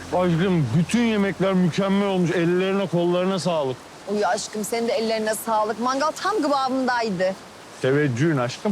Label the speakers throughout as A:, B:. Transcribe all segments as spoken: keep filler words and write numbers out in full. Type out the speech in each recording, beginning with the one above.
A: Aşkım bütün yemekler mükemmel olmuş. Ellerine kollarına sağlık.
B: Uy aşkım senin de ellerine sağlık. Mangal tam kıvamındaydı.
A: Teveccühün aşkım.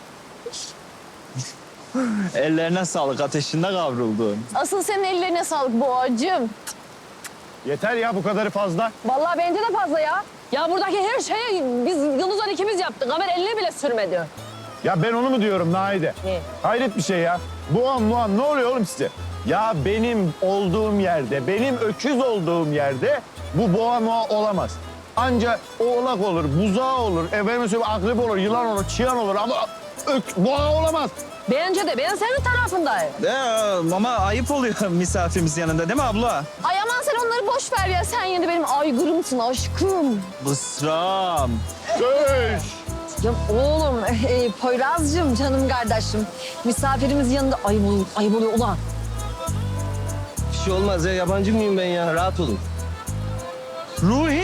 C: Ellerine sağlık, ateşinde kavruldun.
D: Asıl senin ellerine sağlık boğacım.
A: Yeter ya bu kadarı fazla.
D: Vallahi bence de fazla ya. Ya buradaki her şeyi biz Yıldızlar ikimiz yaptık. Ömer eline bile sürmedi.
A: Ya ben onu mu diyorum Naide?
D: Ne?
A: Hayret bir şey ya. Boğan muan ne oluyor oğlum size? Ya benim olduğum yerde, benim öküz olduğum yerde bu boğa muğa olamaz. Anca oğlak olur, buzağı olur, efendim söyleyeyim akrep olur, yılan olur, çıyan olur ama ök, boğa olamaz.
D: Bence de ben senin tarafındayım.
C: Ee, ama ayıp oluyor misafirimiz yanında değil mi abla?
D: Ay aman sen onları boş ver ya. Sen yine benim aygırımsın aşkım.
C: Bısram.
A: Söz.
B: Ya oğlum, e, Poyraz'cığım, canım kardeşim. Misafirimizin yanında ayıp oluyor, ayıp oluyor ulan.
E: Bir şey olmaz ya. Yabancı mıyım ben ya? Rahat olun.
C: Ruhi.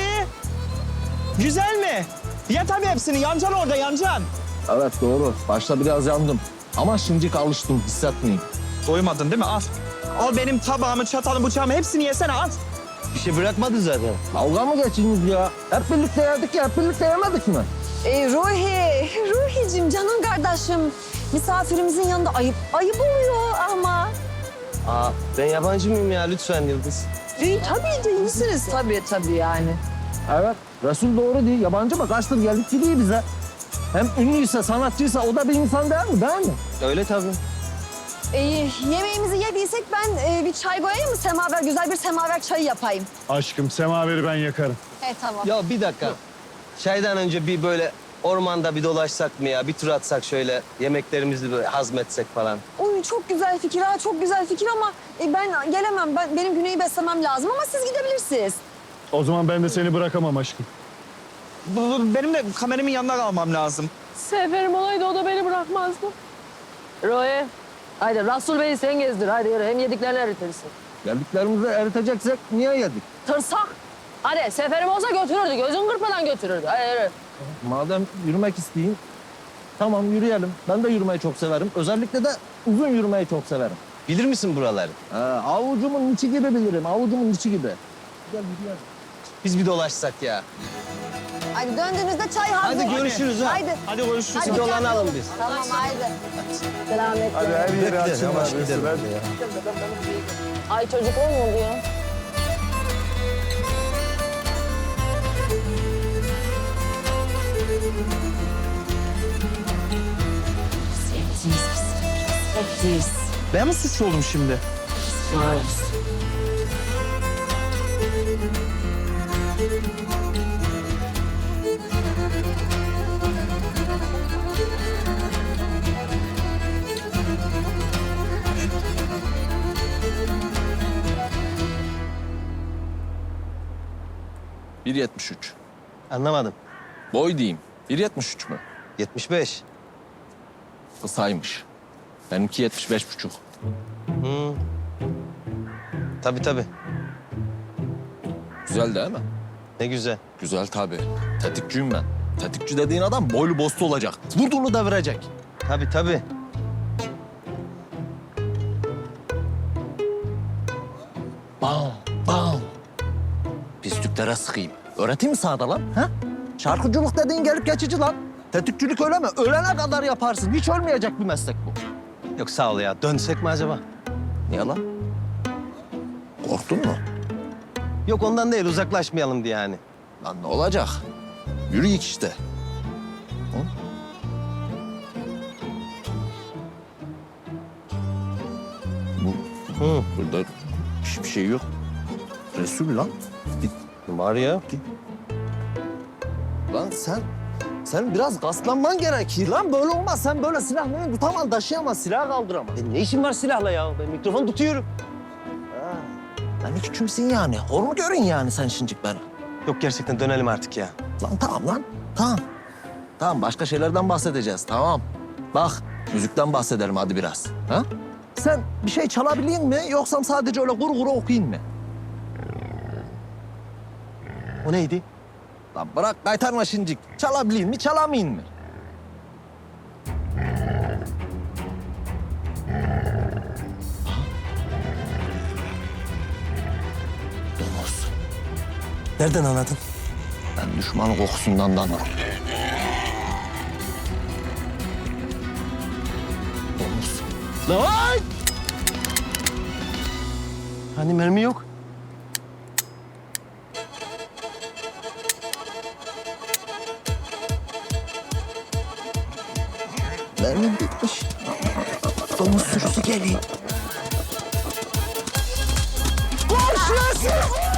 C: Güzel mi? Ye tabii hepsini. Yancan orada, yancan.
E: Evet doğru. Başta biraz yandım. Ama şimdilik alıştım. Hissetmeyeyim.
C: Doymadın değil mi? Al. Al benim tabağımı, çatalımı, bıçağımı hepsini yesene al.
E: Bir şey bırakmadı zaten. Dalga mı geçiniz ya? Hep birlikte yedik ya. Hep birlikte yemedik mi?
B: E, Ruhi, Ruhi'cim, canım kardeşim. Misafirimizin yanında ayıp, ayıp oluyor ama.
E: Aa, ben yabancı mıyım ya? Lütfen Yıldız.
B: E, tabii de iyisiniz. Tabii tabii yani.
E: Evet. Resul doğru değil. Yabancı mı? Kaçtır geldik gidiyor bize. Hem ünlüyse, sanatçıysa o da bir insan değil mi? Değil mi? Öyle tabii.
B: E, yemeğimizi yediysek ben e, bir çay koyayım mı? Semaver, güzel bir semaver çayı yapayım.
A: Aşkım semaveri ben yakarım.
B: He tamam.
E: Ya bir dakika. Çaydan önce bir böyle ormanda bir dolaşsak mı ya? Bir tur atsak şöyle yemeklerimizi böyle hazmetsek falan.
B: Oy çok güzel fikir ha, çok güzel fikir ama e, ben gelemem. Ben, benim Güney'i beslemem lazım ama siz gidebilirsiniz.
A: O zaman ben de seni bırakamam aşkım.
C: Bu, bu- benim de kameramın yanında kalmam lazım.
D: Seferim olaydı o da beni bırakmazdı. Roy, haydi Rasul Bey'i sen gezdir. Haydi yürü hem yediklerini eritirsin.
E: Geldiklerimizi eriteceksek niye yedik?
D: Tırsak. Hadi seferim olsa götürürdü. Gözün kırpmadan götürürdü. Hadi yürü.
E: Madem yürümek isteyeyim, tamam yürüyelim. Ben de yürümeyi çok severim. Özellikle de uzun yürümeyi çok severim.
F: Bilir misin buraları?
E: Ee, avucumun içi gibi bilirim, avucumun içi gibi. Gel yürüyelim.
F: Biz bir dolaşsak ya.
B: Hadi döndüğünüzde çay hazır.
F: Hadi görüşürüz ha.
B: Haydi.
C: Hadi görüşürüz.
B: Hadi
F: Bir dolanalım
B: dikkatli
F: biz.
B: olun. Tamam haydi. Selametle.
A: Hadi her yeri
F: Bekle,
A: açın
F: yavaş
A: abi,
F: gidelim.
A: hadi.
D: Ay çocuk olmadı ya.
C: Ben mi suçlu oldum şimdi?
G: bir yetmiş üç.
F: Anlamadım.
G: Boy diyeyim. bir yetmiş üç mü?
F: yetmiş beş.
G: Kısaymış. Benimki yetmiş beş buçuk.
F: Hı. Tabii tabii.
G: Güzel değil mi?
F: Ne güzel.
G: Güzel tabii. Tetikçiyim ben. Tetikçi dediğin adam boylu boslu olacak. Vurduğunu devirecek.
F: Tabii tabii.
G: Bam, bam. Pisliklere sıkayım. Öğreteyim mi sağda lan? Ha?
E: Şarkıcılık dediğin gelip geçici lan. Tetikçilik öyle mi? Ölene kadar yaparsın. Hiç ölmeyecek bir meslek bu.
F: Yok sağ ol ya. Dönsek mi acaba?
G: Niye lan? Korktun mu?
F: Yok ondan değil. Uzaklaşmayalım diye yani.
G: Lan ne olacak? Yürüyük işte. Hı? Bu,
F: Hı.
G: burada hiçbir şey yok. Resul lan.
F: Var ya.
E: Lan sen, sen biraz gaslanman gerekir lan. Böyle olmaz. Sen böyle silahla tutamaz, taşıyamaz, silah kaldıramaz.
F: E, ne işin var silahla ya? Ben mikrofon tutuyorum.
E: Lan hiç kimsin yani? Hor mu görün yani sen şimdilik beni?
F: Yok gerçekten dönelim artık ya.
E: Lan tamam lan, tamam. Tamam, başka şeylerden bahsedeceğiz, tamam. Bak, müzikten bahsedelim hadi biraz. Ha? Sen bir şey çalabiliyor mi yoksa sadece öyle kuru kuru okuyayım mı?
F: O neydi?
E: Lan bırak kaytarma şimdilik. Çalabiliyor mi, çalamayayım mı?
F: Nereden anladın?
E: Ben düşmanın kokusundan da anlarım. Domuz.
F: Lan! Hani mermi yok?
E: Mermim bitmiş. Domuz sürüsü geliyor.
F: Koş Yasin!